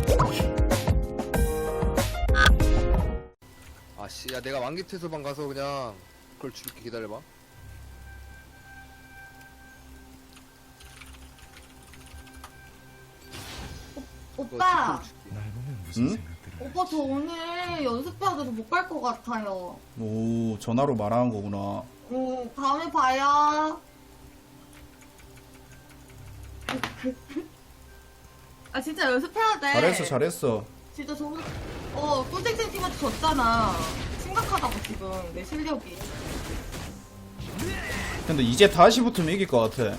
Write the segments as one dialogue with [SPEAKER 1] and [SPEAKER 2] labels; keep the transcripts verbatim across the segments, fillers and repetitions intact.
[SPEAKER 1] 아씨, 야 내가 왕기 퇴소방 가서 그냥 그걸 줄게. 기다려봐.
[SPEAKER 2] 오빠,
[SPEAKER 3] 응?
[SPEAKER 2] 오빠 저 오늘 연습해야 돼서 못 갈 것 같아요.
[SPEAKER 3] 오, 전화로 말하는 거구나.
[SPEAKER 2] 음, 다음에 봐요. 아 진짜 연습해야 돼.
[SPEAKER 3] 잘했어, 잘했어.
[SPEAKER 2] 진짜 저 어, 꿀땡땡 팀한테 졌잖아. 심각하다고 지금 내 실력이.
[SPEAKER 3] 근데 이제 다시 붙으면 이길 것 같아.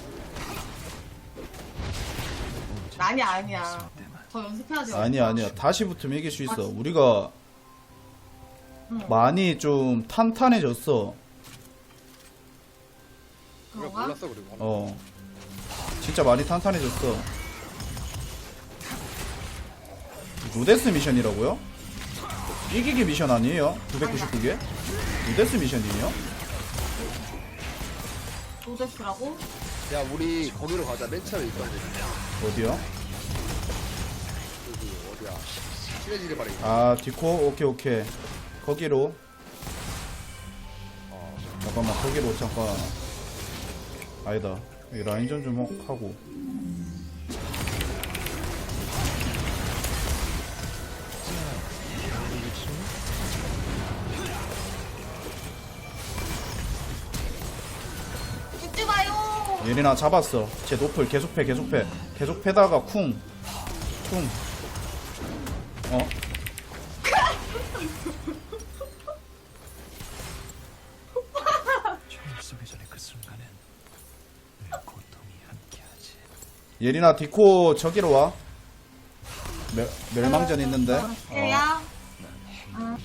[SPEAKER 2] 아니야 아니야. 더 연습해야 돼.
[SPEAKER 3] 아니야, 아니야. 다시 붙으면 이길 수 있어. 우리가
[SPEAKER 2] 응.
[SPEAKER 3] 많이 좀 탄탄해졌어.
[SPEAKER 1] 우리가
[SPEAKER 2] 그런가?
[SPEAKER 1] 몰랐어 그리고.
[SPEAKER 3] 어. 진짜 많이 탄탄해졌어. 루데스 미션이라고요? 이기기 미션 아니에요? 구백구십구 개? 루데스 미션이에요?
[SPEAKER 2] 로데스라고?
[SPEAKER 1] 야 우리 거기로 가자. 맨 처음에 있던 데.
[SPEAKER 3] 어디요?
[SPEAKER 1] 여기 어디야? 친해지길 바래.
[SPEAKER 3] 아, 디코? 오케이, 오케이. 거기로.
[SPEAKER 1] 어.
[SPEAKER 3] 잠깐만, 거기로 잠깐. 아니다. 여기 라인전 좀 하고.
[SPEAKER 2] 죽지 마요.
[SPEAKER 3] 예린아 잡았어. 제 노플 계속 패, 계속 패. 계속 패다가 쿵. 쿵. 어? 예린아 디코 저기로 와. 멸, 멸망전 있는데. 어.
[SPEAKER 2] 예야. 아,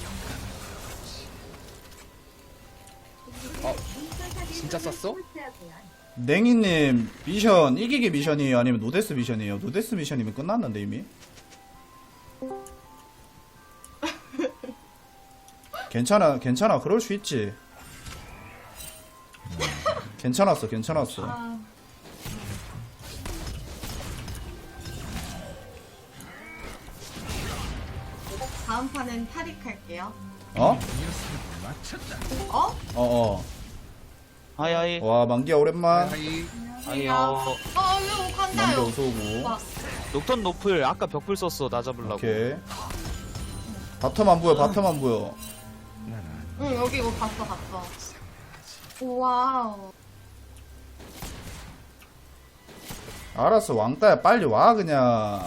[SPEAKER 1] 어. 진짜 쐈어?
[SPEAKER 3] 냉이님 미션 이기기 미션이에요? 아니면 노데스 미션이에요? 노데스 미션이면 끝났는데 이미. 괜찮아 괜찮아 그럴 수 있지. 괜찮았어 괜찮았어.
[SPEAKER 2] 아. 다음 판은 탈익할게요.
[SPEAKER 3] 어?
[SPEAKER 2] 어?
[SPEAKER 3] 어어.
[SPEAKER 4] 하이하이.
[SPEAKER 3] 와 만기야 오랜만.
[SPEAKER 1] 하이.
[SPEAKER 4] 아니요.
[SPEAKER 2] 어, 이거
[SPEAKER 3] 만기
[SPEAKER 2] 간다요.
[SPEAKER 3] 어서오고.
[SPEAKER 2] 와,
[SPEAKER 4] 녹턴 노플 아까 벽불 썼어 나 잡으려고.
[SPEAKER 3] 오케이. 바텀 안 보여 바텀 안 보여.
[SPEAKER 2] 응, 여기 이거 봤어, 봤어. 와우.
[SPEAKER 3] 알았어 왕따야 빨리 와 그냥.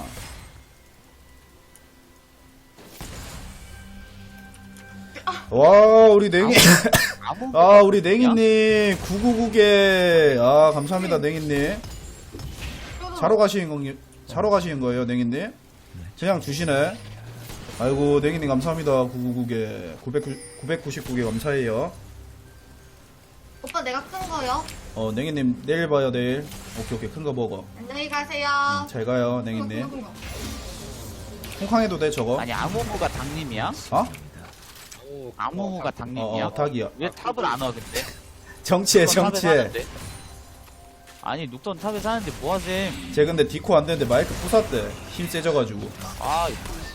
[SPEAKER 3] 와 우리 냉이
[SPEAKER 4] 아무
[SPEAKER 3] 아 우리 냉이님 구구구 개. 아 감사합니다 냉이님. 자러 가시는 건 자러 가시는 거예요 냉이님? 그냥 주시네. 아이고 냉이님 감사합니다. 구구구 개 구백구십구 개 감사해요.
[SPEAKER 2] 오빠 내가 큰 거요?
[SPEAKER 3] 어 냉이님 내일 봐요 내일. 오케이 오케이 큰 거 먹어.
[SPEAKER 2] 안녕히 가세요.
[SPEAKER 3] 잘 가요 냉이님. 홍캉해도 돼 저거?
[SPEAKER 4] 아니 아무무가 당님이야?
[SPEAKER 3] 어?
[SPEAKER 1] 오,
[SPEAKER 4] 아무무가
[SPEAKER 3] 어,
[SPEAKER 4] 당님이야?
[SPEAKER 3] 어 닭이야.
[SPEAKER 4] 왜 탑을 안 와 근데?
[SPEAKER 3] 정치해
[SPEAKER 4] 녹턴 탑에
[SPEAKER 3] 정치해.
[SPEAKER 4] 사는데? 아니 녹턴 탑에 사는데 뭐하셈?
[SPEAKER 3] 쟤 근데 디코 안 되는데 마이크 부쉈대. 힘 세져가지고.
[SPEAKER 4] 아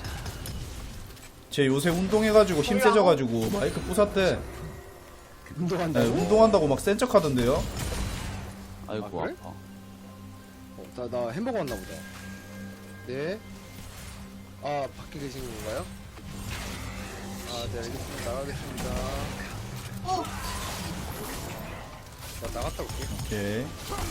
[SPEAKER 3] 쟤 요새 운동해가지고 힘 세져가지고 마이크 부쉈대.
[SPEAKER 1] 운동한다고?
[SPEAKER 3] 네, 운동한다고 막 센 척 하던데요?
[SPEAKER 4] 아이고
[SPEAKER 1] 아, 그래?
[SPEAKER 4] 아파.
[SPEAKER 1] 어, 나, 나 햄버거 왔나 보다. 네. 아, 밖에 계신 건가요? 아, 네, 알겠습니다. 나가겠습니다.
[SPEAKER 2] 어,
[SPEAKER 1] 나 나갔다 올게.
[SPEAKER 3] 오케이.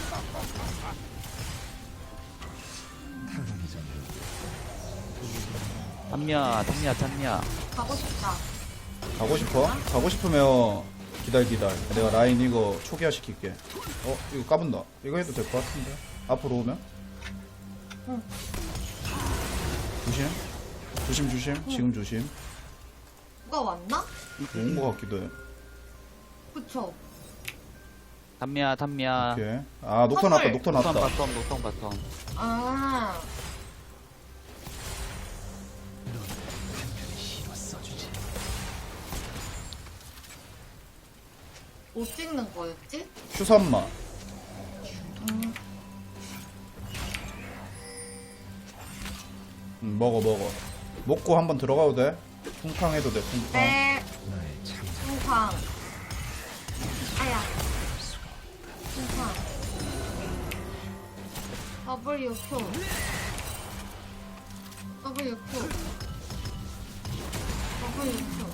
[SPEAKER 4] 탐미야 탐미야 탐미야.
[SPEAKER 2] 가고 싶다.
[SPEAKER 3] 가고 싶어? 가고 싶으면 기다려 기다려. 내가 라인 이거 초기화 시킬게. 어? 이거 까분다. 이거 해도 될 것 같은데? 앞으로 오면?
[SPEAKER 2] 응.
[SPEAKER 3] 조심. 조심 조심. 지금 조심.
[SPEAKER 2] 누가 왔나?
[SPEAKER 3] 온 것 같기도 해.
[SPEAKER 2] 그쵸?
[SPEAKER 4] 탐미야 탐미야.
[SPEAKER 3] 오케이. 아 녹턴 났다
[SPEAKER 2] 선물.
[SPEAKER 3] 녹턴
[SPEAKER 4] 녹턴
[SPEAKER 3] 났다.
[SPEAKER 4] 바텀 녹턴 바텀.
[SPEAKER 2] 아, 뭐 찍는 거였지?
[SPEAKER 3] 큐삼마.
[SPEAKER 2] 음.
[SPEAKER 3] 응, 먹어 먹어. 먹고 한번 들어가도 돼. 쿵쾅 해도 돼. 쿵쾅.
[SPEAKER 2] 네. 쿵쾅. 아야. 쿵쾅. W Q. W Q. W Q.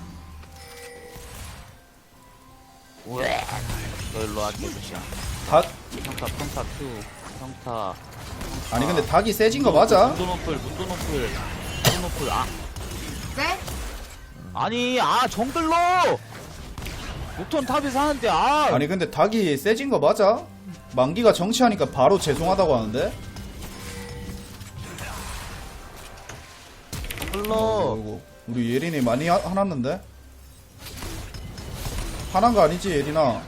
[SPEAKER 4] 왜? 너 일로 와, 개구시야.
[SPEAKER 3] 닭
[SPEAKER 4] 평타, 평타, Q. 평타.
[SPEAKER 3] 아니 근데 닭이 세진 거 맞아?
[SPEAKER 4] 문도노플, 문도노플. 문도노플, 아.
[SPEAKER 2] 네?
[SPEAKER 4] 아니, 아, 정글로! 녹턴 탑에서 하는데, 아!
[SPEAKER 3] 아니 근데 닭이 세진 거 맞아? 만기가 정치하니까 바로 죄송하다고 하는데?
[SPEAKER 4] 정글로!
[SPEAKER 3] 아이고 우리 예린이 많이 하, 화났는데? 화난 거 아니지 예린아?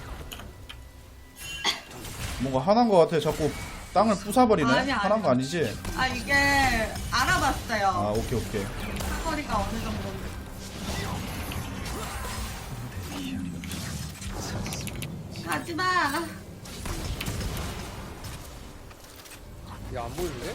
[SPEAKER 3] 뭔가 화난 거 같아. 자꾸 땅을 부숴버리네.
[SPEAKER 2] 아니, 아니.
[SPEAKER 3] 화난 거 아니지?
[SPEAKER 2] 아, 이게 알아봤어요.
[SPEAKER 3] 아 오케이 오케이.
[SPEAKER 2] 사거리가 어느 정도인지. 가지마.
[SPEAKER 1] 야, 안 보이는데?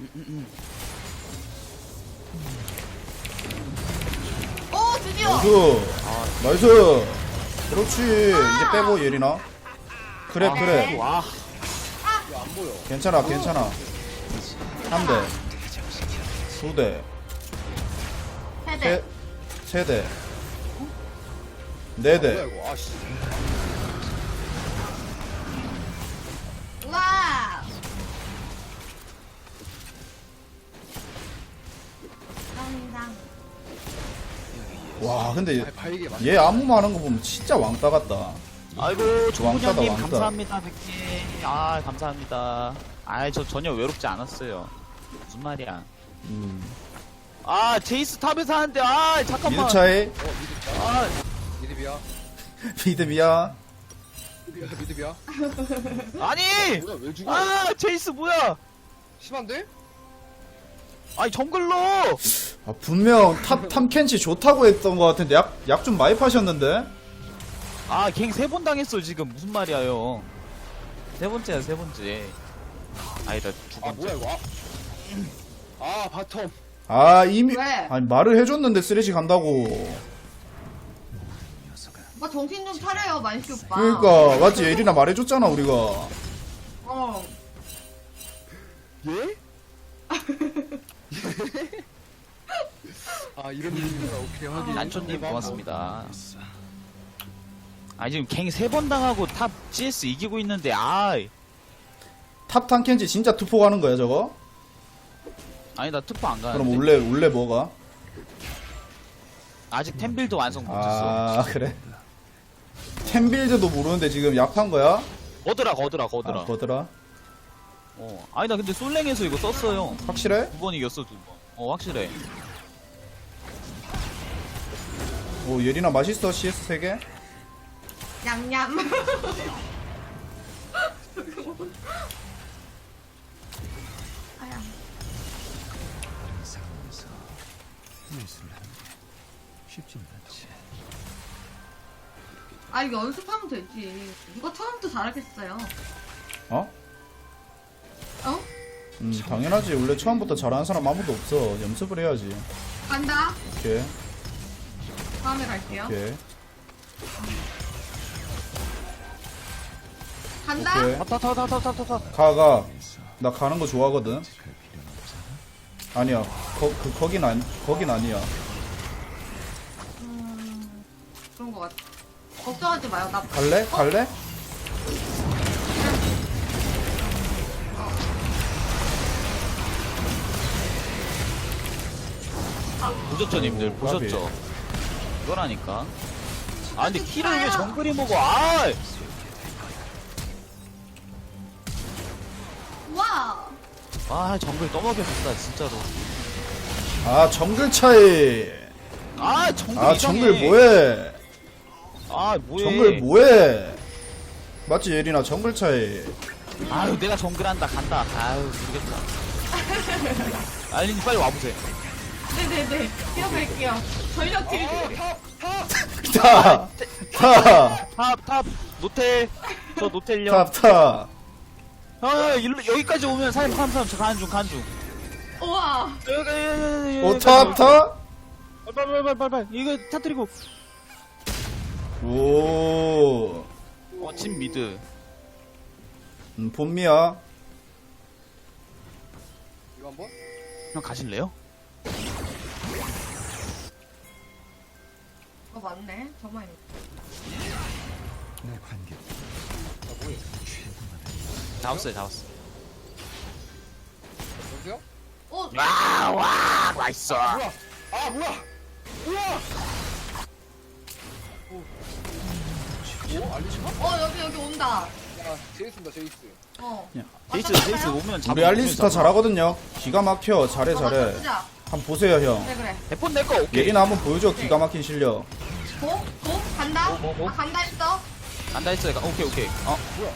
[SPEAKER 2] 오, 드디어.
[SPEAKER 3] 나이스 나이스. 그렇지. 이제 빼고 예린아. 그래
[SPEAKER 2] 아,
[SPEAKER 3] 그래.
[SPEAKER 2] 네.
[SPEAKER 4] 와,
[SPEAKER 1] 야, 안 보여.
[SPEAKER 3] 괜찮아 괜찮아. 한 대, 두 대,
[SPEAKER 2] 세대.
[SPEAKER 3] 세, 세 대, 네
[SPEAKER 1] 뭐야,
[SPEAKER 3] 대.
[SPEAKER 1] 이거. 아, 씨.
[SPEAKER 2] 와. 감사합니다.
[SPEAKER 3] 와 근데
[SPEAKER 1] 아, 바이게 맞
[SPEAKER 3] 얘 안무만 하는 거 보면 진짜 왕따 같다.
[SPEAKER 4] 아이고, 조부장님
[SPEAKER 3] 왕따다, 왕따.
[SPEAKER 4] 감사합니다, 백님. 아, 감사합니다. 아, 저 전혀 외롭지 않았어요. 무슨 말이야.
[SPEAKER 3] 음.
[SPEAKER 4] 아, 제이스 탑에서 하는데, 아, 잠깐만.
[SPEAKER 3] 미드 차이.
[SPEAKER 1] 어, 미드.
[SPEAKER 4] 아,
[SPEAKER 1] 미드비야.
[SPEAKER 3] 미드비야.
[SPEAKER 1] 미드비야, 미드비야.
[SPEAKER 4] 아니!
[SPEAKER 1] 뭐야, 왜 죽어?
[SPEAKER 4] 아, 제이스 뭐야?
[SPEAKER 1] 심한데?
[SPEAKER 4] 아니, 정글로!
[SPEAKER 3] 아, 분명 탑 탐켄치 좋다고 했던 것 같은데 약 약 좀 많이 파셨는데?
[SPEAKER 4] 아, 갱 세 번 당했어, 지금. 무슨 말이야, 형. 세 번째야, 세 번째. 아니다, 두
[SPEAKER 1] 아,
[SPEAKER 4] 번째.
[SPEAKER 1] 뭐야, 이거. 아, 아 바텀.
[SPEAKER 3] 아 이미
[SPEAKER 2] 왜?
[SPEAKER 3] 아니 말을 해줬는데 쓰레쉬 간다고.
[SPEAKER 2] 오빠 정신 좀 차려요, 만시 오빠.
[SPEAKER 3] 그러니까 맞지 예린아 말해줬잖아 우리가.
[SPEAKER 2] 어.
[SPEAKER 1] 예? 아, 이런 느낌이구나. 오케이, 확인.
[SPEAKER 4] 난초님 고맙습니다. 아, 지금 갱 세 번 당하고 탑 씨에스 이기고 있는데, 아
[SPEAKER 3] 탑 탐켄치 진짜 투포 가는 거야 저거?
[SPEAKER 4] 아니, 나 투포 안 가는데.
[SPEAKER 3] 그럼 원래 원래 뭐가?
[SPEAKER 4] 아직 템빌드 완성 못했어.
[SPEAKER 3] 아 그래? 템빌드도 모르는데 지금 약한 거야?
[SPEAKER 4] 거드라, 거드라, 거드라.
[SPEAKER 3] 아 거더라?
[SPEAKER 4] 어. 아니, 나 근데 솔랭에서 이거 썼어요.
[SPEAKER 3] 확실해?
[SPEAKER 4] 두 번 이겼어, 두 번. 어, 확실해.
[SPEAKER 3] 오 예린아 맛있어 씨에스 세 개?
[SPEAKER 2] 냠냠. 아야. 아, 이거 연습하면 되지. 누가 처음부터 잘하겠어요.
[SPEAKER 3] 어?
[SPEAKER 2] 어?
[SPEAKER 3] 음 당연하지. 원래 처음부터 잘하는 사람 아무도 없어. 연습을 해야지.
[SPEAKER 2] 간다.
[SPEAKER 3] 오케이
[SPEAKER 2] 다음에 갈게요.
[SPEAKER 3] 오케이
[SPEAKER 2] 간다.
[SPEAKER 3] 오케이.
[SPEAKER 4] 타, 타, 타, 타, 타, 타, 타.
[SPEAKER 3] 가, 가. 나 가는 거 좋아하거든. 아니야. 거, 그, 거긴 아니, 거긴 아니야.
[SPEAKER 2] 음, 그런 것 같아. 걱정하지 마요. 나
[SPEAKER 3] 갈래? 갈래?
[SPEAKER 4] 보셨죠, 님들?
[SPEAKER 3] 오,
[SPEAKER 4] 보셨죠? 이거라니까. 아, 근데 키를 왜 정글이 먹어? 아!
[SPEAKER 2] 와.
[SPEAKER 4] 아, 정글 떠먹였었다, 진짜로.
[SPEAKER 3] 아, 정글 차이.
[SPEAKER 4] 아, 정글
[SPEAKER 3] 아,
[SPEAKER 4] 이상해.
[SPEAKER 3] 정글 뭐해?
[SPEAKER 4] 아, 뭐해.
[SPEAKER 3] 정글 뭐해? 맞지, 예린아? 정글 차이.
[SPEAKER 4] 아유, 내가 정글 한다, 간다. 아유, 모르겠다. 알린이 빨리 와보세요.
[SPEAKER 2] 네네네. 뛰어갈게요. 전력 딜.
[SPEAKER 3] 타! 타!
[SPEAKER 4] 탑, 탑, 노텔. 저 노텔요.
[SPEAKER 3] 탑, 타!
[SPEAKER 4] 아, 일로, 여기까지 오면 사람, 사람, 사람, 저 가는 중, 가는 중.
[SPEAKER 2] 우와.
[SPEAKER 3] 오타타?
[SPEAKER 4] 빨빨빨빨빨 이거 터뜨리고.
[SPEAKER 3] 오.
[SPEAKER 4] 어진 미드.
[SPEAKER 3] 음, 봄미야.
[SPEAKER 1] 이거 한번?
[SPEAKER 4] 형 가실래요?
[SPEAKER 2] 어 맞네. 정말.
[SPEAKER 1] 아 뭐해?
[SPEAKER 4] 잡았어요 잡았어.
[SPEAKER 1] 여보세요?
[SPEAKER 2] 어.
[SPEAKER 4] 와와 맛있어.
[SPEAKER 1] 뭐야? 아 뭐야? 우와! 오, 오 알리시나?
[SPEAKER 2] 어 여기 여기 온다.
[SPEAKER 1] 야 제이스입니다 제이스.
[SPEAKER 2] 어.
[SPEAKER 4] 제이스
[SPEAKER 2] 왔다
[SPEAKER 4] 제이스
[SPEAKER 2] 갔어요?
[SPEAKER 4] 오면 잡.
[SPEAKER 3] 우리 알리스타 잘하거든요. 기가 막혀. 잘해
[SPEAKER 2] 어,
[SPEAKER 3] 잘해.
[SPEAKER 2] 맞춰보자.
[SPEAKER 3] 한번 보세요 형.
[SPEAKER 2] 그래 그래.
[SPEAKER 4] 대폰 내거 오케이.
[SPEAKER 3] 예린아 한번 보여줘. 기가 막힌 실력.
[SPEAKER 2] 고? 고? 간다?
[SPEAKER 4] 고, 고, 고.
[SPEAKER 2] 아 간다 했어?
[SPEAKER 4] 간다 했어요. 오케이 오케이. 어
[SPEAKER 1] 뭐야?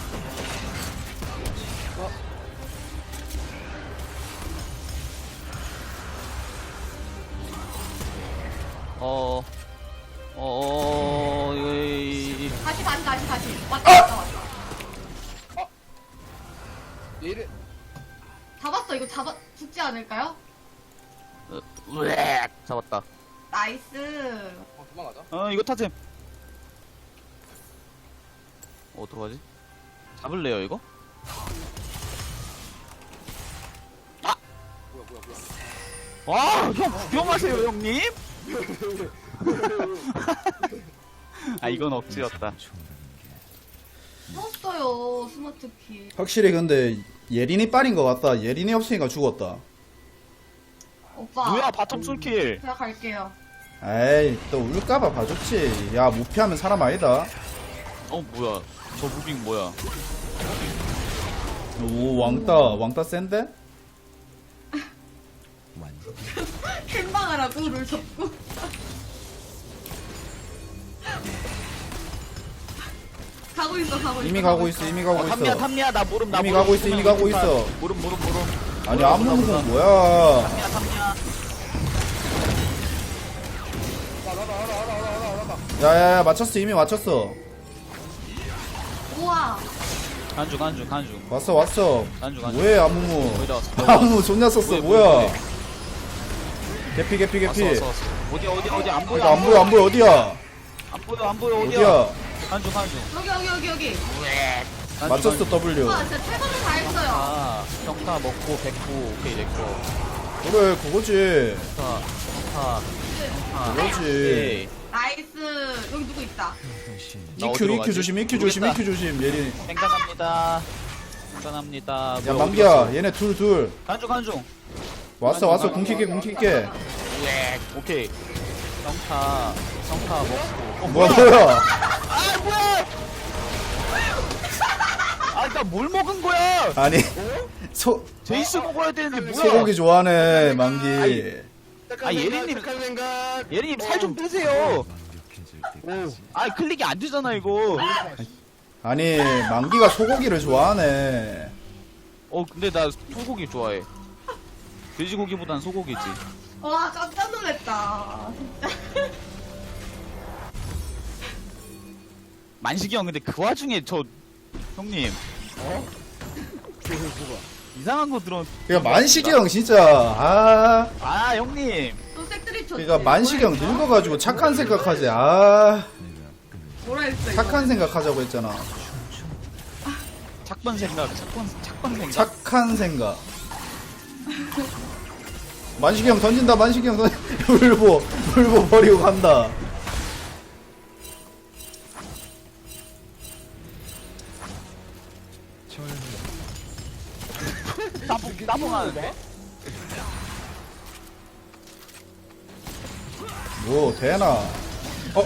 [SPEAKER 4] 어, 어, 어, 이,
[SPEAKER 2] 다시 다시 다시 다시. 왔다 왔다 왔다.
[SPEAKER 1] 얘를
[SPEAKER 2] 잡았어. 이거 잡아 죽지 않을까요?
[SPEAKER 4] 어, 으악, 잡았다.
[SPEAKER 2] 나이스.
[SPEAKER 1] 어, 도망가자.
[SPEAKER 4] 어, 이거 타셈. 어, 어떡하지? 잡을래요, 이거?
[SPEAKER 1] 뭐야 뭐야 뭐야.
[SPEAKER 4] 와, 형, 구경하세요, 형님? 아, 이건 억지였다.
[SPEAKER 2] 썼어요. 스마트키.
[SPEAKER 3] 확실히 근데 예린이 빨인 것 같다. 예린이 없으니까 죽었다.
[SPEAKER 2] 오빠.
[SPEAKER 4] 뭐야, 바텀 솔킬.
[SPEAKER 2] 제가 갈게요.
[SPEAKER 3] 에이 또 울까봐 봐줬지. 야 무피하면 사람 아니다.
[SPEAKER 4] 어, 뭐야. 저 무빙 뭐야.
[SPEAKER 3] 오 왕따 왕따 센데?
[SPEAKER 2] 캔방하라고 룰 접고. 가고 있어 가고 있어.
[SPEAKER 3] 이미 가고 있어 이미 가고
[SPEAKER 4] 어, 탐미야,
[SPEAKER 3] 있어.
[SPEAKER 4] 탐미야, 나 모름, 나
[SPEAKER 3] 이미
[SPEAKER 4] 모름.
[SPEAKER 3] 가고 있어, 이미 가고 있어.
[SPEAKER 4] 모름, 모름, 모름.
[SPEAKER 3] 아니 안무는 뭐야?
[SPEAKER 4] 탐미야, 탐미야.
[SPEAKER 1] 나나나 나나 나나 나나 나나.
[SPEAKER 3] 야야야 맞췄어 이미 맞췄어.
[SPEAKER 2] 우와.
[SPEAKER 4] 간주, 간주, 간주.
[SPEAKER 3] 왔어 왔어.
[SPEAKER 4] 간주, 간주.
[SPEAKER 3] 뭐해 아무무?
[SPEAKER 4] 거의 다 왔어.
[SPEAKER 3] 아무 존나 썼어
[SPEAKER 4] 뭐해,
[SPEAKER 3] 뭐야?
[SPEAKER 4] 뭐해,
[SPEAKER 3] 개피 개피
[SPEAKER 4] 왔어,
[SPEAKER 3] 개피.
[SPEAKER 4] 왔어, 왔어. 어디, 어디, 어디, 안 보여.
[SPEAKER 3] 이거 안 보여 안 보여 어디야?
[SPEAKER 4] 안 보여, 안 보여, 어디야?
[SPEAKER 3] 어디야?
[SPEAKER 4] 간주, 간주.
[SPEAKER 2] 여기 여기 여기 여기.
[SPEAKER 4] 간주,
[SPEAKER 3] 맞췄어
[SPEAKER 4] 간주.
[SPEAKER 3] W.
[SPEAKER 2] 우와 진짜 최선을 다했어요.
[SPEAKER 4] 아, 평타 먹고 백구 오케이 냈고
[SPEAKER 3] 그래 그거지.
[SPEAKER 4] 평타 평타 평타
[SPEAKER 3] 그거지.
[SPEAKER 4] 오케이
[SPEAKER 2] 나이스. 여기 누구 있다.
[SPEAKER 4] 나
[SPEAKER 3] 이큐
[SPEAKER 4] 어디로
[SPEAKER 3] 이큐
[SPEAKER 4] 가지?
[SPEAKER 3] 조심 이큐 조심
[SPEAKER 4] 모르겠다.
[SPEAKER 3] 이큐 조심 예린.
[SPEAKER 4] 땡간합니다 땡간합니다
[SPEAKER 3] 야
[SPEAKER 4] 뭐야, 어디
[SPEAKER 3] 만기야
[SPEAKER 4] 갔어?
[SPEAKER 3] 얘네 둘 둘.
[SPEAKER 4] 간중 간중
[SPEAKER 3] 왔어 왔어 궁킬게 궁킬게.
[SPEAKER 4] 오케이 평타 평타 먹고 어
[SPEAKER 3] 뭐야 뭐야?
[SPEAKER 4] 아 뭐야 아나 뭘 먹은 거야
[SPEAKER 3] 아니 소
[SPEAKER 4] 제이스 먹어야 되는데 뭐야
[SPEAKER 3] 소고기 좋아하네 만기.
[SPEAKER 4] 아 예린님
[SPEAKER 1] 착한 생각.
[SPEAKER 4] 예린님 살 좀 빼세요 아 클릭이 안 되잖아 이거
[SPEAKER 3] 아니 만기가 소고기를 좋아하네.
[SPEAKER 4] 어 근데 나 소고기 좋아해 돼지고기보단 소고기지
[SPEAKER 2] 와 깜짝 놀랐다. 진짜.
[SPEAKER 4] 만식이 형 근데 그 와중에 저 형님
[SPEAKER 1] 어? 그거 뭐가?
[SPEAKER 4] 이상한 거 들어
[SPEAKER 3] 그러니까 만식이 형 진짜 아
[SPEAKER 4] 아 형님
[SPEAKER 2] 또 색들이 쳤지.
[SPEAKER 3] 그러니까 만식이 형 늙어가지고 착한 생각하지. 아
[SPEAKER 2] 뭐라 했어 이거.
[SPEAKER 3] 착한 생각하자고 했잖아.
[SPEAKER 4] 착번 생각 착번 착번 생각
[SPEAKER 3] 착한 생각. 만식이 형 던진다. 만식이 형 던. 울보 울보 버리고 간다.
[SPEAKER 4] 따봉 따봉하는데
[SPEAKER 3] 뭐 되나? 어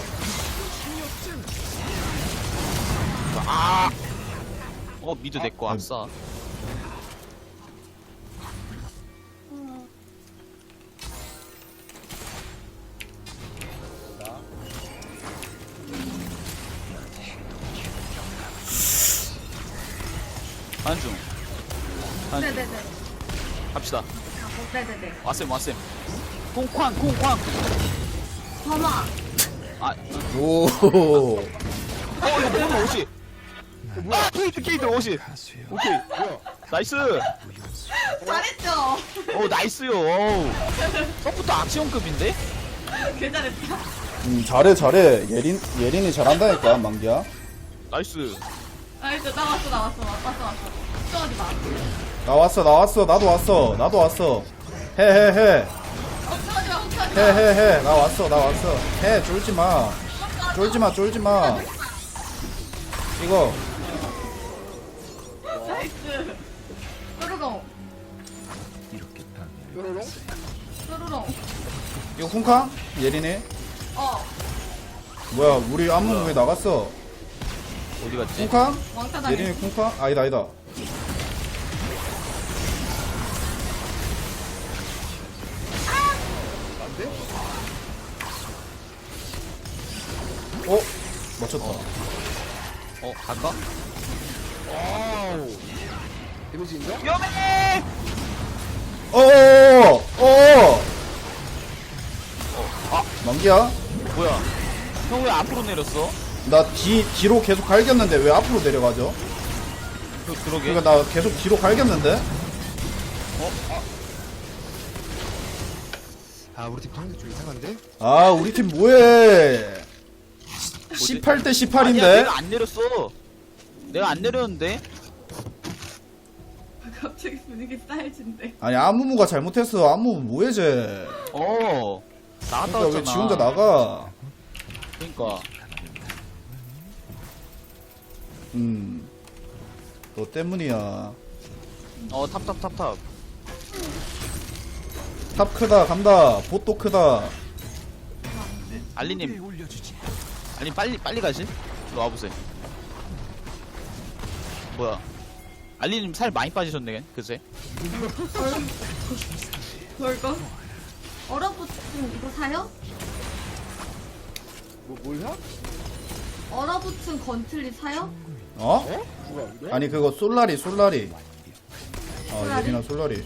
[SPEAKER 4] 어 미드 내거 아싸 안중 안중
[SPEAKER 2] 네네네.
[SPEAKER 4] 갑시다
[SPEAKER 2] 아, 네네네.
[SPEAKER 4] 왔쌤 왔쌤 콩쾅 콩쾅
[SPEAKER 2] 범아.
[SPEAKER 4] 아
[SPEAKER 3] 오.
[SPEAKER 4] 어, 이거 먹으면 오시. 아, 케이트, 케이트, 오시. 오케이.
[SPEAKER 1] 뭐야?
[SPEAKER 4] 나이스.
[SPEAKER 2] 잘했죠?
[SPEAKER 4] 오 나이스요. 어우. 서부터 악시온급인데?
[SPEAKER 2] 개 잘했다.
[SPEAKER 3] 음 잘해 잘해. 예린 예린이 잘한다니까 만기야.
[SPEAKER 4] 나이스.
[SPEAKER 2] 나이스, 나 왔어, 나 왔어, 왔어, 왔어. 걱정하지 마.
[SPEAKER 3] 나 왔어 나 왔어 나도 왔어 나도 왔어. 해 해 해.
[SPEAKER 2] 걱정하지 마, 걱정하지 마.
[SPEAKER 3] 해 해 해. 나 왔어 나 왔어. 해 쫄지 마. 쫄지 마 쫄지 마. 이거
[SPEAKER 2] 나이스. 뾰로롱,
[SPEAKER 1] 뾰로롱?
[SPEAKER 2] 뾰로롱.
[SPEAKER 3] 이거 쿵쾅 예린이.
[SPEAKER 2] 어,
[SPEAKER 3] 뭐야 우리 안무 왜 나갔어?
[SPEAKER 4] 어디 갔지?
[SPEAKER 3] 쿵쾅?
[SPEAKER 2] 왕따 당했어.
[SPEAKER 3] 예린이 쿵쾅? 아니다 아니다.
[SPEAKER 1] 안 돼?
[SPEAKER 3] 어? 맞췄다.
[SPEAKER 4] 어 갈까?
[SPEAKER 1] 와우. 데미지 인정?
[SPEAKER 4] 위험해.
[SPEAKER 3] 어어어 어어. 아 만기야?
[SPEAKER 4] 뭐야? 형 왜 앞으로 내렸어?
[SPEAKER 3] 나 뒤 뒤로 계속 갈겼는데 왜 앞으로 내려가죠?
[SPEAKER 4] 그, 그러게.
[SPEAKER 3] 그러니까 나 계속 뒤로 갈겼는데?
[SPEAKER 1] 아 우리 팀 상대 좀 이상한데?
[SPEAKER 3] 아 우리 팀 뭐해? 십팔 대
[SPEAKER 4] 아니야,
[SPEAKER 3] 십팔인데?
[SPEAKER 4] 내가 안 내렸어. 내가 안 내렸는데.
[SPEAKER 2] 갑자기 분위기 싸해진대.
[SPEAKER 3] 아니 안무무가 잘못했어. 안무무 뭐해 쟤?
[SPEAKER 4] 어. 나갔다
[SPEAKER 3] 그러니까
[SPEAKER 4] 왔잖아.
[SPEAKER 3] 왜 지 혼자 나가?
[SPEAKER 4] 그러니까.
[SPEAKER 3] 음. 너 때문이야.
[SPEAKER 4] 어 탑 탑 탑 탑.
[SPEAKER 3] 탑 크다 간다. 보또 크다.
[SPEAKER 4] 알리님. 알리 빨리 빨리 가시. 일로 와보세요. 뭐야? 알리님 살 많이 빠지셨네 그새.
[SPEAKER 2] 뭘까? 얼어붙은 이거 사요?
[SPEAKER 1] 뭐 뭐야?
[SPEAKER 2] 얼어붙은 건틀리 사요?
[SPEAKER 3] 어?
[SPEAKER 1] 누가 이래?
[SPEAKER 3] 아니 그거 솔라리 솔라리. 어
[SPEAKER 2] 솔라리?
[SPEAKER 3] 예린아 솔라리.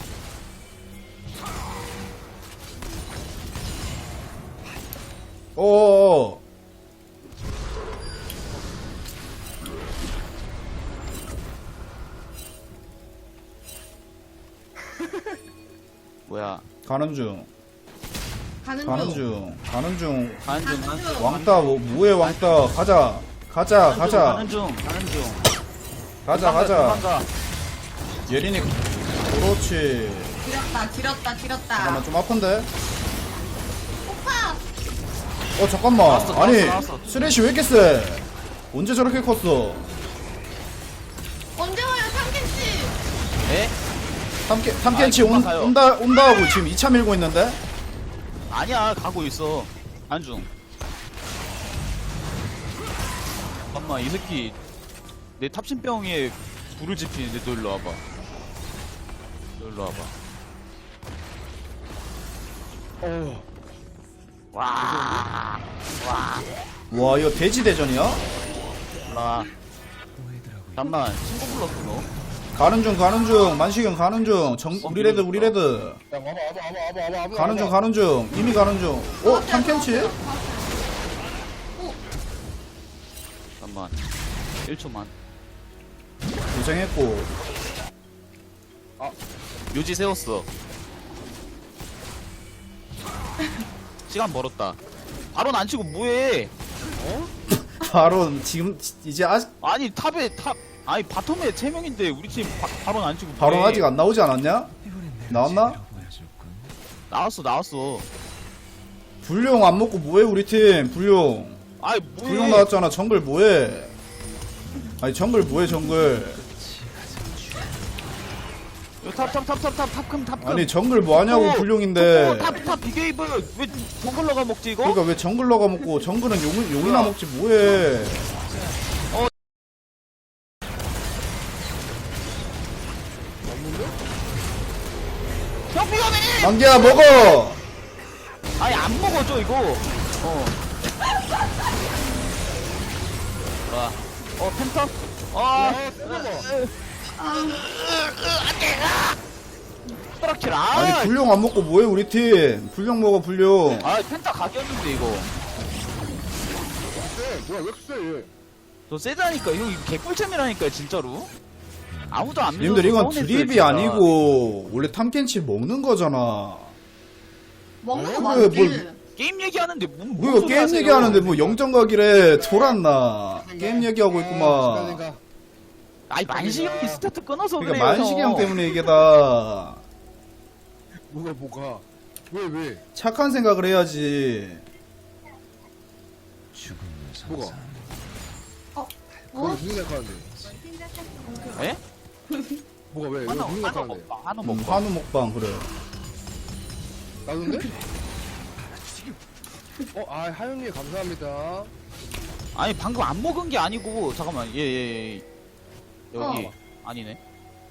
[SPEAKER 3] 어어어.
[SPEAKER 4] 뭐야?
[SPEAKER 3] 가는 중.
[SPEAKER 2] 가는
[SPEAKER 3] 가는
[SPEAKER 2] 중.
[SPEAKER 3] 중. 가는 중.
[SPEAKER 4] 가는 중 가는 중.
[SPEAKER 3] 왕따 뭐 뭐해 왕따. 가자. 가자 가자.
[SPEAKER 4] 가는 중 가는 중.
[SPEAKER 3] 가자 가자.
[SPEAKER 4] 도망가.
[SPEAKER 3] 예린이 그렇지.
[SPEAKER 2] 지렸다, 지렸다, 지렸다.
[SPEAKER 3] 잠깐만 좀 아픈데.
[SPEAKER 2] 오빠!
[SPEAKER 3] 어 잠깐만.
[SPEAKER 4] 나왔어, 나왔어,
[SPEAKER 3] 아니
[SPEAKER 4] 나왔어.
[SPEAKER 3] 쓰레쉬 왜 이렇게 세? 언제 저렇게 컸어?
[SPEAKER 2] 언제 와요, 삼김치?
[SPEAKER 4] 에?
[SPEAKER 3] 탐켄 탐켄치
[SPEAKER 4] 아,
[SPEAKER 3] 온,
[SPEAKER 4] 금방 가요.
[SPEAKER 3] 온다 온다 하고 지금 이 차 밀고 있는데.
[SPEAKER 4] 아니야 가고 있어. 가는 중. 잠깐만 이 새끼 내 탑신병에 불을 지피는데 너 일로 와봐. 너 일로 와봐.
[SPEAKER 1] 어.
[SPEAKER 4] 와. 와.
[SPEAKER 3] 와 이거 돼지 대전이야?
[SPEAKER 4] 와. 잠만 친구 불렀어 너.
[SPEAKER 3] 가는 중 가는 중 만식형 가는 중. 정 우리 레드 우리 레드.
[SPEAKER 1] 야 와봐 와봐 와봐 와봐 와봐 와봐.
[SPEAKER 3] 가는 중 가는 중 이미 가는 중. 어 탐켄치?
[SPEAKER 4] 잠만. 일 초만.
[SPEAKER 3] 고생했고.
[SPEAKER 4] 묘지 세웠어. 시간 벌었다. 바로 안 치고 뭐해?
[SPEAKER 3] 바로 지금 이제 아직
[SPEAKER 4] 아니 탑에 탑 아니 바텀에 세 명인데 우리 팀 바, 바로 안 치고
[SPEAKER 3] 바로
[SPEAKER 4] 뭐해?
[SPEAKER 3] 아직 안 나오지 않았냐? 나왔나?
[SPEAKER 4] 나왔어 나왔어.
[SPEAKER 3] 불용 안 먹고 뭐해 우리 팀 불용.
[SPEAKER 4] 아이 뭐해?
[SPEAKER 3] 불용 나왔잖아. 정글 뭐해? 아니 정글 뭐해 정글.
[SPEAKER 4] 탑탑탑탑탑탑금탑금.
[SPEAKER 3] 아니 정글 뭐하냐고 불용인데.
[SPEAKER 4] 탑탑 비게이브 왜 정글러가 먹지 이거?
[SPEAKER 3] 그러니까 왜 정글러가 먹고 정글은 용, 용이나
[SPEAKER 4] 뭐야?
[SPEAKER 3] 먹지 뭐해.
[SPEAKER 4] 형 위험해!
[SPEAKER 3] 만기야 먹어.
[SPEAKER 4] 아니 안 먹어줘 이거. 어. 와. 어 펜터? 아. 스트라킬 아.
[SPEAKER 3] 아니 불용 안 먹고 뭐해 우리 팀. 불용 먹어 불용.
[SPEAKER 4] 아 펜타 각이었는데 이거.
[SPEAKER 1] 쎄 뭐야 왜 쎄?
[SPEAKER 4] 너 세다니까 형 이거 개꿀잼이라니까 진짜로. 아무도 안 믿어서
[SPEAKER 3] 님들 이건
[SPEAKER 4] 서운했어요,
[SPEAKER 3] 드립이
[SPEAKER 4] 진짜.
[SPEAKER 3] 아니고 원래 탐켄치 먹는 거잖아.
[SPEAKER 2] 먹는 거
[SPEAKER 3] 그래,
[SPEAKER 2] 맞지?
[SPEAKER 3] 뭘-
[SPEAKER 4] 게임 얘기하는데 뭔, 뭔
[SPEAKER 3] 뭐야
[SPEAKER 4] 소리
[SPEAKER 3] 게임
[SPEAKER 4] 하세요?
[SPEAKER 3] 얘기하는데 뭐 영정각이래 돌았나. 게임 얘기하고 있구만.
[SPEAKER 1] 생각.
[SPEAKER 4] 아니 만식이 형이 스타트 끊어서
[SPEAKER 3] 그러니까
[SPEAKER 4] 그래요.
[SPEAKER 3] 만식이 형 때문에 이게 다
[SPEAKER 1] 뭐가 뭐가? 왜 왜?
[SPEAKER 3] 착한 생각을 해야지.
[SPEAKER 1] 뭐가?
[SPEAKER 2] 어?
[SPEAKER 1] 그거
[SPEAKER 2] 어?
[SPEAKER 1] 무슨 생각하는데?
[SPEAKER 4] 에?
[SPEAKER 1] 뭐가 왜? 왜
[SPEAKER 4] 한우
[SPEAKER 1] 무슨
[SPEAKER 4] 한우
[SPEAKER 1] 생각하는데?
[SPEAKER 4] 먹방 한우
[SPEAKER 3] 음,
[SPEAKER 4] 먹방.
[SPEAKER 3] 한우 먹방 그래.
[SPEAKER 1] 나도인데? 어, 아 하윤님 감사합니다.
[SPEAKER 4] 아니 방금 안 먹은 게 아니고 잠깐만 예예 예, 여기
[SPEAKER 2] 어.
[SPEAKER 4] 아니네.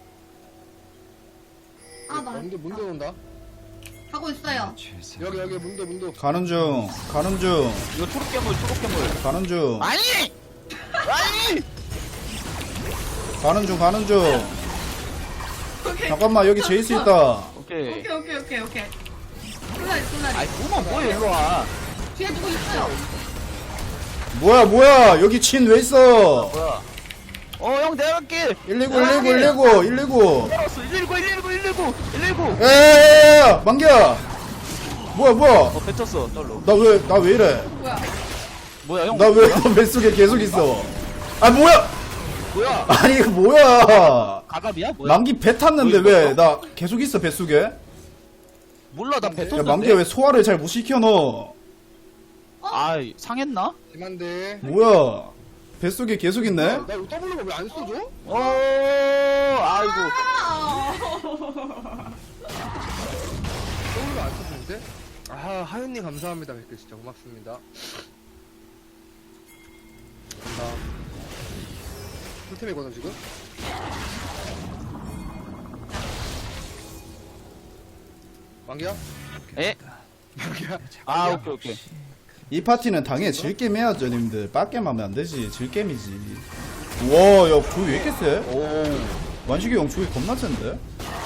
[SPEAKER 2] 아, 나
[SPEAKER 1] 문도 문도 온다.
[SPEAKER 2] 가고 있어요.
[SPEAKER 1] 여기 여기 문도 문도.
[SPEAKER 3] 가는 중 가는 중
[SPEAKER 4] 이거 초록괴물 초록괴물.
[SPEAKER 3] 가는 중
[SPEAKER 4] 아니 아니
[SPEAKER 3] 가는 중 가는 중.
[SPEAKER 2] 오케이.
[SPEAKER 3] 잠깐만 여기 제이스 있다.
[SPEAKER 4] 오케이.
[SPEAKER 2] 오케이, 오케이, 오케이, 오케이. 콜라리, 콜라리.
[SPEAKER 4] 아이 구멍 뭐야 일로 와.
[SPEAKER 2] 뒤에 누구 있어요?
[SPEAKER 3] 뭐야 뭐야 여기 친 왜 있어?
[SPEAKER 4] 뭐야? 어 형 내가 갈게.
[SPEAKER 3] 일이구 일이구 일이구 일이구.
[SPEAKER 4] 알았어 일일구 일일구 일일구 일일구.
[SPEAKER 3] 에에에에 만기야. 뭐야 뭐야?
[SPEAKER 4] 어 뱉었어 떨로.
[SPEAKER 3] 나 왜 나 왜 이래?
[SPEAKER 2] 뭐야?
[SPEAKER 4] 뭐야 형?
[SPEAKER 3] 나 왜 너 뱃속에 계속 있어? 아 뭐야?
[SPEAKER 4] 뭐야?
[SPEAKER 3] 아니 이거 뭐야?
[SPEAKER 4] 가갑이야? 뭐야?
[SPEAKER 3] 만기 배 탔는데
[SPEAKER 4] 뭐
[SPEAKER 3] 왜
[SPEAKER 4] 있었어?
[SPEAKER 3] 나 계속 있어 뱃속에?
[SPEAKER 4] 몰라 나
[SPEAKER 3] 야
[SPEAKER 4] 뱉었는데.
[SPEAKER 3] 만기야 왜 소화를 잘 못 시켜 너?
[SPEAKER 4] 아 상했나?
[SPEAKER 1] 심한데.
[SPEAKER 3] 뭐야? 뱃속에 계속 있네?
[SPEAKER 1] 나 이거 W가 왜 안 써줘?
[SPEAKER 4] 어 아이고.
[SPEAKER 2] 아!
[SPEAKER 1] W가 안 써주는데? 아 하윤님 감사합니다. 댓글 진짜 고맙습니다. 감사. 풀템이거든 지금. 만기야?
[SPEAKER 4] 에?
[SPEAKER 1] 만기야?
[SPEAKER 4] 아 오케이 오케이.
[SPEAKER 3] 이 파티는 당연히 질겜 해야죠 님들. 빡겜 하면 안 되지. 질겜이지. 우와 야 조이 왜 이렇게 세?
[SPEAKER 4] 오.
[SPEAKER 3] 완식이 형 조이 겁나 센데?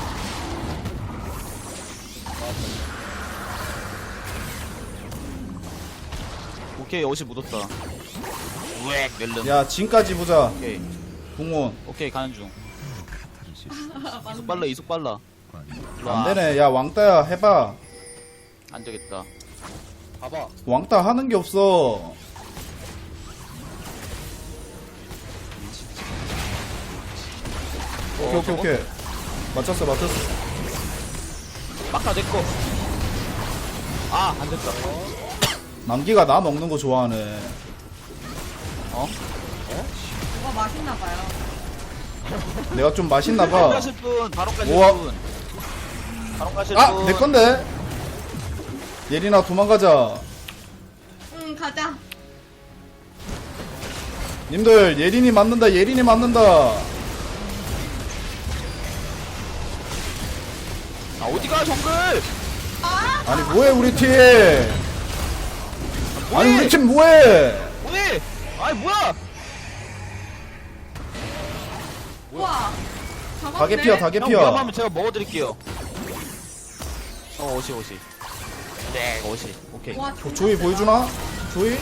[SPEAKER 4] 오케이 옷이 묻었다. 우엑 멜름.
[SPEAKER 3] 야 진까지 보자.
[SPEAKER 4] 오케이
[SPEAKER 3] 궁원.
[SPEAKER 4] 오케이 가는 중. 이속 빨라 이속 빨라. 일로 와.
[SPEAKER 3] 안되네. 야 왕따야 해봐.
[SPEAKER 4] 안 되겠다.
[SPEAKER 1] 봐봐.
[SPEAKER 3] 왕따 하는 게 없어. 오케이 오케이 오케이. 맞췄어 맞췄어.
[SPEAKER 4] 막다 내꺼. 아 안됐다.
[SPEAKER 3] 만기가 나 먹는 거 좋아하네.
[SPEAKER 4] 어?
[SPEAKER 2] 뭐가 맛있나봐요.
[SPEAKER 3] 내가 좀
[SPEAKER 4] 바로
[SPEAKER 3] 맛있나봐.
[SPEAKER 4] 가실 분 바로 가실
[SPEAKER 3] 우와.
[SPEAKER 4] 분. 바로 가실
[SPEAKER 3] 아
[SPEAKER 4] 분.
[SPEAKER 3] 내건데. 예린아 도망가자.
[SPEAKER 2] 응, 가자.
[SPEAKER 3] 님들 예린이 맞는다. 예린이 맞는다.
[SPEAKER 4] 아 어디가 정글?
[SPEAKER 2] 아!
[SPEAKER 3] 아니 뭐해 우리 팀. 아니 우리 팀 뭐해.
[SPEAKER 4] 뭐해? 아이 뭐야?
[SPEAKER 2] 우와. 잡았네?
[SPEAKER 3] 가게 피어 가게
[SPEAKER 4] 형
[SPEAKER 3] 피어.
[SPEAKER 4] 위험하면 제가 먹어드릴게요. 어 오시 오시. 네 오시. 오케이.
[SPEAKER 2] 와, 진짜
[SPEAKER 3] 조이
[SPEAKER 2] 세다.
[SPEAKER 3] 보여주나? 조이?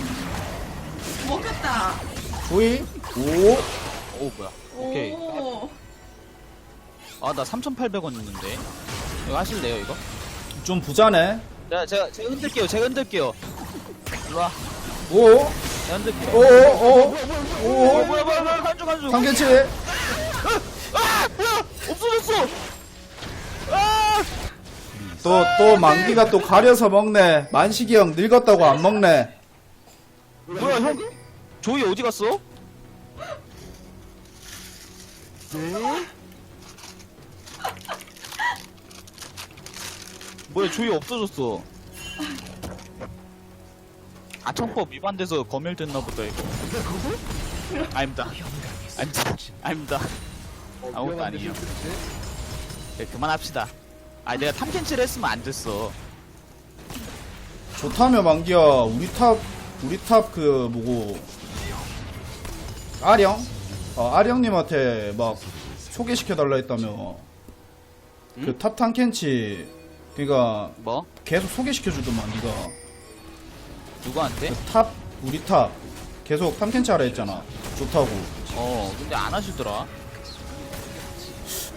[SPEAKER 2] 먹혔다.
[SPEAKER 3] 조이? 오?
[SPEAKER 4] 오 뭐야? 오케이.
[SPEAKER 2] 오.
[SPEAKER 4] 아 나 삼천팔백 원 있는데. 이거 하실래요 이거?
[SPEAKER 3] 좀 부자네.
[SPEAKER 4] 제가 제가 제가 흔들게요. 제가 흔들게요. 일로 와.
[SPEAKER 3] 오?
[SPEAKER 4] 제가 흔들게요.
[SPEAKER 3] 오? 오?
[SPEAKER 4] 오
[SPEAKER 3] 오?
[SPEAKER 4] 뭐야 뭐야 뭐야 간주 간주.
[SPEAKER 3] 상계치?
[SPEAKER 4] 아 뭐야? 없어졌어. 아.
[SPEAKER 3] 또, 또 만기가 또 가려서 먹네. 만식이 형 늙었다고 안 먹네.
[SPEAKER 4] 뭐야 형? 조이 어디 갔어? 뭐야 조이 없어졌어. 아청법 위반돼서 검열됐나 보다 이거. 아닙니다. 아닙니다. 아닙니다.
[SPEAKER 1] 어,
[SPEAKER 4] 아무것도
[SPEAKER 1] 위험한데
[SPEAKER 4] 아니에요.
[SPEAKER 1] 실수지?
[SPEAKER 4] 네, 그만합시다. 아 내가 탐켄치를 했으면 안 됐어.
[SPEAKER 3] 좋다며 만기야. 우리 탑, 우리 탑 그, 뭐고. 아령? 어, 아령님한테 막 소개시켜달라 했다며.
[SPEAKER 4] 응?
[SPEAKER 3] 그 탑 탐켄치. 그니까
[SPEAKER 4] 뭐?
[SPEAKER 3] 계속 소개시켜주더만, 니가.
[SPEAKER 4] 누구한테?
[SPEAKER 3] 그 탑, 우리 탑. 계속 탐켄치 하라 했잖아. 좋다고.
[SPEAKER 4] 어 근데 안 하시더라.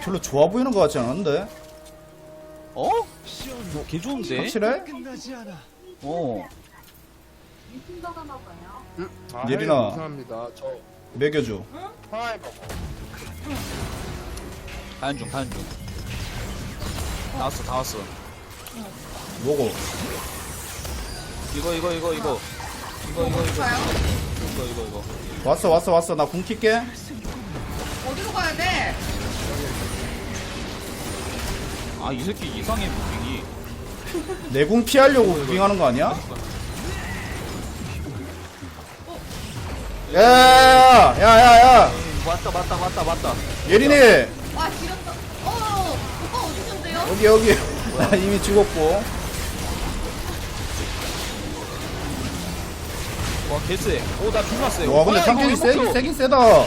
[SPEAKER 3] 별로 좋아 보이는 것 같지 않은데?
[SPEAKER 4] 어? 개 좋은데?
[SPEAKER 3] 확실해?
[SPEAKER 4] 어.
[SPEAKER 1] 응? 아,
[SPEAKER 3] 예린아.
[SPEAKER 1] 하이, 감사합니다. 저
[SPEAKER 3] 먹여줘.
[SPEAKER 1] 하이 먹어.
[SPEAKER 4] 가연 중, 가연 중. 다 왔어, 다 왔어.
[SPEAKER 3] 먹어.
[SPEAKER 4] 이거, 이거, 이거, 이거. 이거, 이거, 이거.
[SPEAKER 2] 가요?
[SPEAKER 4] 이거, 이거, 이거.
[SPEAKER 3] 왔어, 왔어, 왔어. 나 궁 킬게.
[SPEAKER 2] 어디로 가야 돼?
[SPEAKER 4] 아, 이 새끼 이상해, 무빙이.
[SPEAKER 3] 내 궁 피하려고 무빙하는 거 아니야? 야, 야, 야, 야.
[SPEAKER 4] 맞다, 맞다, 맞다, 맞다.
[SPEAKER 3] 예린이.
[SPEAKER 2] 아 지렸다. 어 오빠 어디 있는데요?
[SPEAKER 3] 여기, 여기. 나 이미 죽었고.
[SPEAKER 4] 와, 개쎄. 오, 나 죽났어요.
[SPEAKER 3] 와, 근데 탐켄이 세긴, 세긴 세다.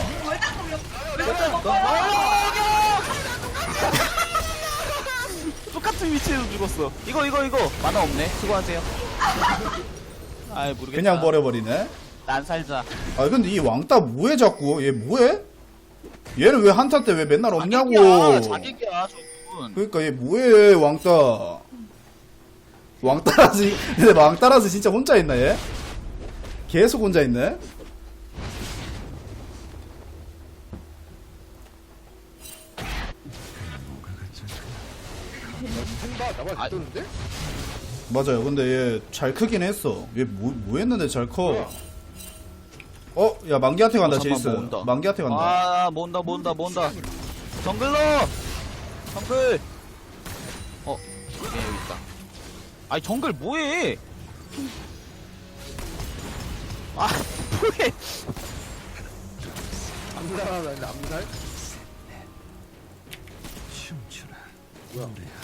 [SPEAKER 4] 똑같은 위치에서 죽었어. 이거, 이거, 이거. 만화 없네. 수고하세요. 아이, 모르겠다.
[SPEAKER 3] 그냥 버려버리네.
[SPEAKER 4] 난 살자.
[SPEAKER 3] 아, 근데 이 왕따 뭐해, 자꾸? 얘 뭐해? 얘는 왜 한타 때 왜 맨날 없냐고.
[SPEAKER 4] 자객이야, 자객이야, 저분.
[SPEAKER 3] 그러니까 얘 뭐해, 왕따. 왕따라서, 근데 왕따라서 진짜 혼자 있나, 얘? 계속 혼자 있네?
[SPEAKER 1] 생각 나만
[SPEAKER 4] 아,
[SPEAKER 1] 듣는데?
[SPEAKER 3] 맞아요. 근데 얘 잘 크긴 했어. 얘 뭐, 뭐 했는데 잘 커? 어? 야, 만기한테 간다,
[SPEAKER 4] 어, 잠깐만,
[SPEAKER 3] 제이스.
[SPEAKER 4] 뭐 온다.
[SPEAKER 3] 만기한테 간다.
[SPEAKER 4] 아, 뭔다, 뭔다, 뭔다. 정글러! 정글! 어, 얘 여기 있다. 아니, 정글 뭐해? 아, 뭐해?
[SPEAKER 1] 암살하는 암살? 뭐야?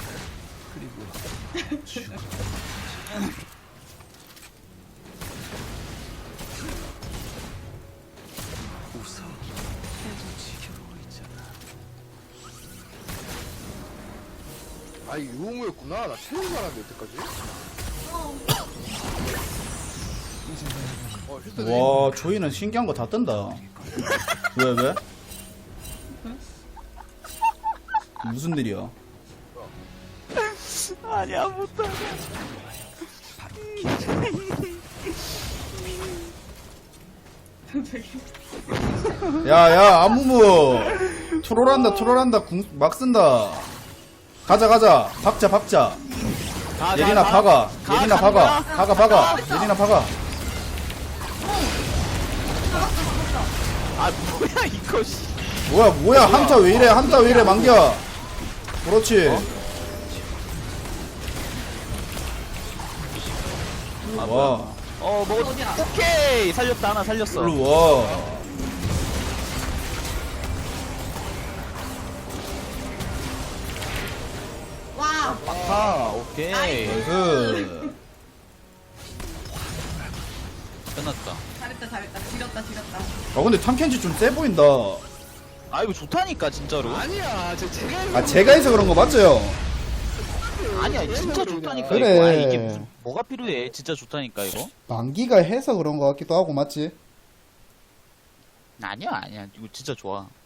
[SPEAKER 1] 아, 이 유흥무였구나. 나 체험 말한데, 여태까지. 어, 휴대폰.
[SPEAKER 3] 와, 조이는 신기한 거 다 뜬다. 왜, 왜? 무슨 일이야?
[SPEAKER 4] 아니야, 못하네.
[SPEAKER 3] 야, 야, 아무무. 트롤한다, 트롤한다. 궁, 막 쓴다. 가자, 가자. 박자, 박자.
[SPEAKER 4] 가,
[SPEAKER 3] 예린아,
[SPEAKER 4] 가,
[SPEAKER 3] 박아.
[SPEAKER 4] 가,
[SPEAKER 3] 예린아,
[SPEAKER 4] 가,
[SPEAKER 3] 박아.
[SPEAKER 4] 가.
[SPEAKER 3] 박아, 박아. 예린아, 박아.
[SPEAKER 4] 아, 뭐야, 이거, 씨.
[SPEAKER 3] 뭐야, 뭐야. 한타 왜 이래, 한타 왜 이래, 만겨. 그렇지.
[SPEAKER 4] 아,
[SPEAKER 3] 와.
[SPEAKER 4] 어, 뭐,
[SPEAKER 2] 어디야?
[SPEAKER 4] 오케이! 살렸다, 하나 살렸어.
[SPEAKER 3] 일로 와.
[SPEAKER 2] 와.
[SPEAKER 4] 아, 오케이.
[SPEAKER 3] 그,
[SPEAKER 4] 끝났다.
[SPEAKER 2] 잘했다 잘했다. 지렸다 지렸다.
[SPEAKER 3] 아, 근데 탐켄지 좀 세 보인다.
[SPEAKER 4] 아, 이거 좋다니까, 진짜로.
[SPEAKER 1] 아니야, 저 제가
[SPEAKER 3] 아, 제가 해서 그런 거 맞죠?
[SPEAKER 4] 아니야, 진짜 좋다니까,
[SPEAKER 3] 그래.
[SPEAKER 4] 이거. 아, 이게 무슨, 뭐가 필요해. 진짜 좋다니까, 이거.
[SPEAKER 3] 만기가 해서 그런 거 같기도 하고, 맞지?
[SPEAKER 4] 아니야, 아니야. 이거 진짜 좋아.